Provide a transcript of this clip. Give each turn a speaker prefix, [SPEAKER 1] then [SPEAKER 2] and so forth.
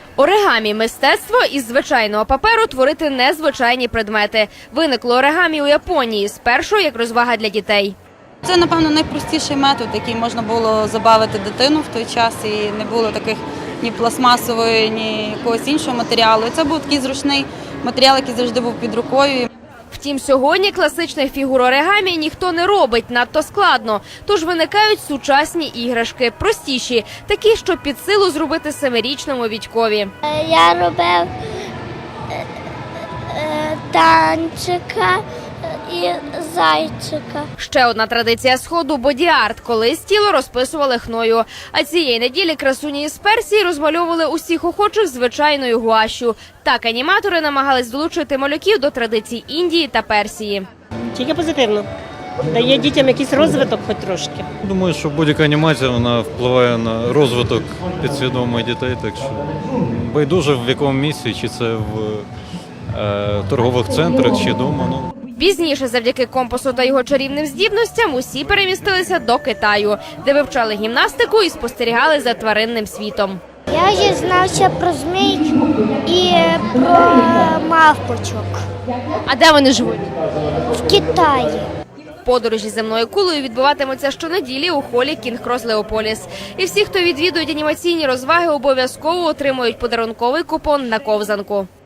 [SPEAKER 1] Оригамі – мистецтво із звичайного паперу творити незвичайні предмети. Виникло оригамі у Японії спершу як розвага для дітей.
[SPEAKER 2] Це, напевно, найпростіший метод, який можна було забавити дитину в той час, і не було таких ні пластмасової, ні якогось іншого матеріалу. І це був такий зручний матеріал, який завжди був під рукою.
[SPEAKER 1] Втім, сьогодні класичних фігур оригамі ніхто не робить, надто складно. Тож виникають сучасні іграшки, простіші, такі, що під силу зробити 7-річному Вітькові.
[SPEAKER 3] Я робив танчика і зайчика.
[SPEAKER 1] Ще одна традиція Сходу – боді-арт. Колись тіло розписували хною. А цієї неділі красуні із Персії розмальовували усіх охочих звичайною гуашю. Так аніматори намагались долучити малюків до традицій Індії та Персії.
[SPEAKER 4] Тільки позитивно. Дає дітям якийсь розвиток хоч трошки.
[SPEAKER 5] Думаю, що будь-яка анімація вона впливає на розвиток підсвідомих дітей, так що байдуже в якому місці, чи це в торгових центрах, чи вдома.
[SPEAKER 1] Пізніше, завдяки компасу та його чарівним здібностям, усі перемістилися до Китаю, де вивчали гімнастику і спостерігали за тваринним світом.
[SPEAKER 3] Я дізнався про змій і про мавпочок
[SPEAKER 1] А де вони живуть?
[SPEAKER 3] в Китаї.
[SPEAKER 1] Подорожі земною кулею відбуватимуться щонеділі у холі Кінг-Крос Леополіс. І всі, хто відвідують анімаційні розваги, обов'язково отримують подарунковий купон на ковзанку.